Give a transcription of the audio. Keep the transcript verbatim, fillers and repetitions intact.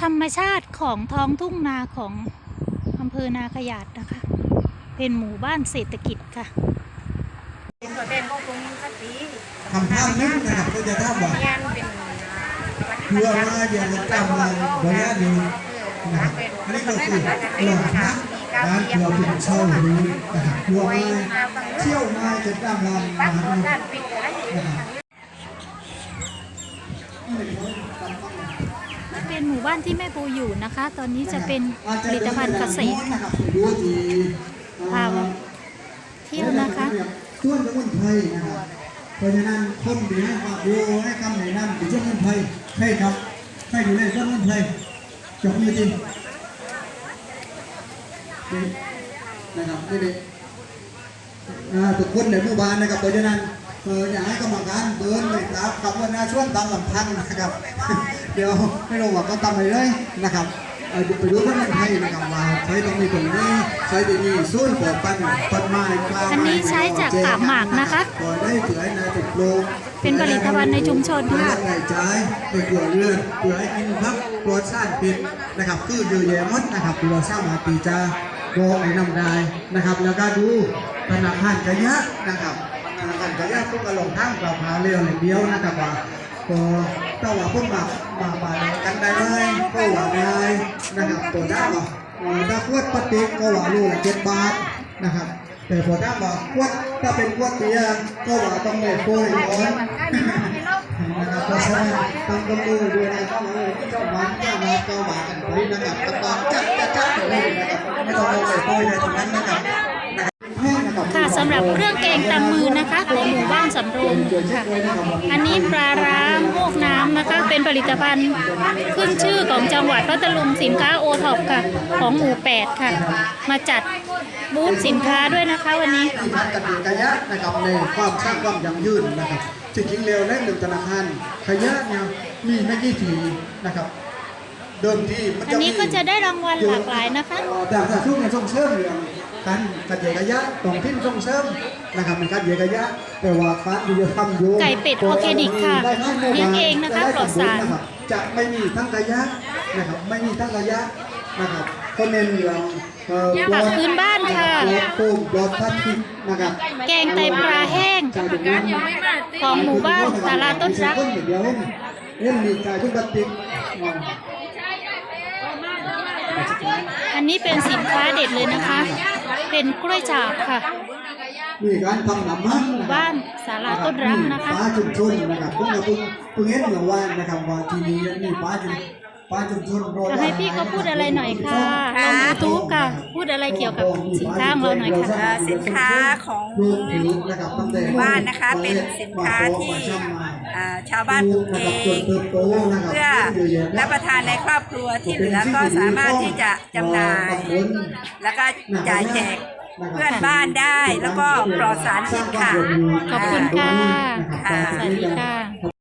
ธรรมชาติของท้องทุ่งนาของอำเภอนาขยาดนะคะเป็นหมู่บ้านเศรษฐกิจค่ะทำท่านึกนะครับก็จะท่าบอกเพื่อมาเดี๋ยวจะจำมาบริเวณนี้นะครับอันนี้ก็คือหลอดพระร้านเราเป็นเช่าหรือนะครับเพื่อมาเที่ยวมาจะจำลานนะครับเป็นหมู่บ้านที่แม่ปูอยู่นะคะ ตอนนี้จะเป็นผลิตภัณฑ์เกษตรค่ะพาเที่ยวนะคะช่วยสมุนไพรนะครับเพราะฉะนั้นคนดีให้ความรู้ให้คำแนะนำถึงสมุนไพรใช่ครับใช่อยู่ในสมุนไพรจบมือจริงนะครับนี่เด็กทุกคนในหมู่บ้านนะครับเพราะฉะนั้นอยากให้กรรมการเดินไปครับกับวันนาช่วงตามลำพังนะครับเดี๋ยวไม่รู้ว่าก็ทำอะไรเลยนะครับไปดูท่านไทยนะครับว่าใช้ตรงนี้ตรงนี้ใช้ที่นี่ส่วนปอปันปันไม้กลางอันนี้ใช้จากกาบหมากนะคะเป็นผลิตภัณฑ์ในชุมชนค่ะใช้ใช้ในเกลือเรือนเกลือให้กินพักรสชาติผิดนะครับคือเยอะแยะมดนะครับตัวสร้างมาปีจาโบไอ้น้ำได้นะครับแล้วก็ดูธนาคารกระยะนะครับธนาคารกระยะพวกกระหล่ำทั้งกระเพราเรียวอย่างเดียวนะครับว่าก็ถ้าว่าพวกมามามากันได้เลยก็ว่าได้นะครับตัวด้าว่าถ้าขวดพลาสติกก็ว่าลูกละเจ็ดบาทนะครับแต่พอด้าว่าขวดถ้าเป็นขวดเบียร์ก็ว่าต้องเล็โป้ยร้อนนะครับเพราะฉะนั้นต้องต้องดูด้วยนะครับว่าที่เจ้าบ้านเจ้านาก็ว่ากันไปนะครับกำลังจัดจัดจัดเลยนะครับไม่ต้องเล็โป้ยในตรงนั้นนะครับค่ะสำหรับเครื่องแกงตำมือนะคะของหมู่บ้านสำโรงค่ะอันนี้ปลาร้าโมกน้ำนะคะเป็นผลิตภัณฑ์ขึ้นชื่อของจังหวัดพัทลุงสินค้าโอท็อปค่ะของหมู่แปดค่ะมาจัดบูธสินค้าด้วยนะคะวันนี้ที่พัฒน์กระยะนะครับในความสร้างความยั่งยืนนะครับจริงๆเร็วและหนึ่งธนาคารขยะเนี่ยมีไม่กี่ทีนะครับเดิมที่อันนี้ก็จะได้รางวัลหลากหลายนะคะแต่ถ้าช่วงในส่งเสริมเรื่องการกัดเหยียกระยะตรงที่ส่งเสริมนะครับเป็นการเหยียกระยะแต่ว่าการที่จะทำโยไก่เป็ดออร์แกนิกค่ะเลี้ยงเองนะคะปลอดสารจะไม่มีทั้งระยะนะครับไม่มีทั้งระยะนะครับก็เน้นเรื่องผักพื้นบ้านค่ะปลูกดอกพันธุ์นะครับแกงไตปลาแห้งของหมู่บ้านศาลาต้นรักเล่นมีกายทุกบัติอันนี้เป็นสินค้าเด็ดเลยนะคะเป็นกล้วยฉาบค่ะมีการทำหนำมันหมู่บ้านศาลาต้นรักนะคะป้าชุมชนนะครับพวกเราเพิ่งเพิ่งเห็นเมื่อวานนะครับว่าที่นี่มีป้าชุมป้าชุมชนจะให้พี่ก็พูดอะไรหน่อยค่ะลงยูทูบค่ะพูดอะไรเกี่ยวกับสินค้าของเราหน่อยค่ะสินค้าของหมู่บ้านนะคะเป็นสินค้าที่ชาวบ้านปลูกเองเพื่อรับประทานในครอบครัวที่เหลือก็สามารถที่จะจำหน่ายแล้วก็จ่ายแจกเพื่อนบ้านได้แล้วก็ปลอดสารพิษค่ะขอบคุณค่ะสวัสดีค่ะ